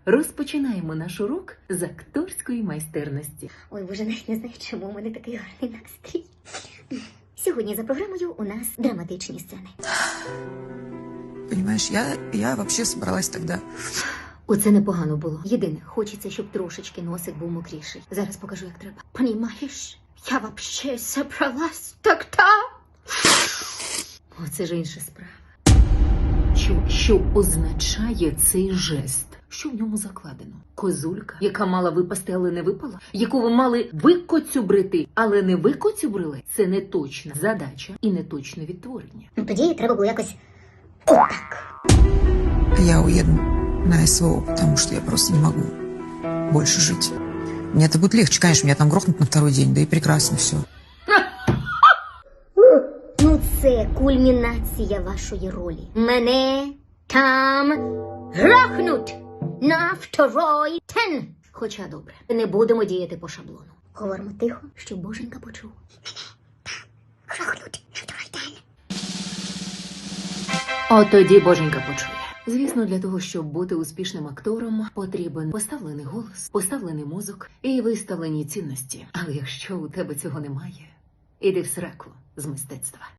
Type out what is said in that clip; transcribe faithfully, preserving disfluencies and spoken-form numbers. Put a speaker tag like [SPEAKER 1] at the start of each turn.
[SPEAKER 1] Розпочинаємо наш урок з акторської майстерності.
[SPEAKER 2] Ой, боже, навіть не знаю, чому у мене такий гарний настрій. Сьогодні за програмою у нас драматичні сцени.
[SPEAKER 3] Понимаешь, я, я вообще собралась тогда.
[SPEAKER 2] Оце непогано було. Єдине, хочеться, щоб трошечки носик був мокріший. Зараз покажу, як треба. Понімаєш, я вообще собралась тогда. Оце ж інша справа.
[SPEAKER 1] Що, що означає цей жест? Що в ньому закладено? Козулька, яка мала випасти, але не випала? Яку ви мали викоцюбрити, але не викоцюбрили? Це не точна задача і не точне відтворення.
[SPEAKER 2] Ну тоді треба було якось отак.
[SPEAKER 3] Я уеду на СВО, потому что я просто не могу больше жить. Мне это будет легче, конечно, меня там грохнут на второй день, да и прекрасно все.
[SPEAKER 2] Ну це кульмінація вашої ролі. Мене там грохнуть на второй день. Хоча добре, не будемо діяти по шаблону. Говоримо тихо, щоб боженька почув. Грохнуть на второй день.
[SPEAKER 1] От тоді боженька почує. Звісно, для того, щоб бути успішним актором, потрібен поставлений голос, поставлений мозок і виставлені цінності. Але якщо у тебе цього немає, іди в сраку з мистецтва.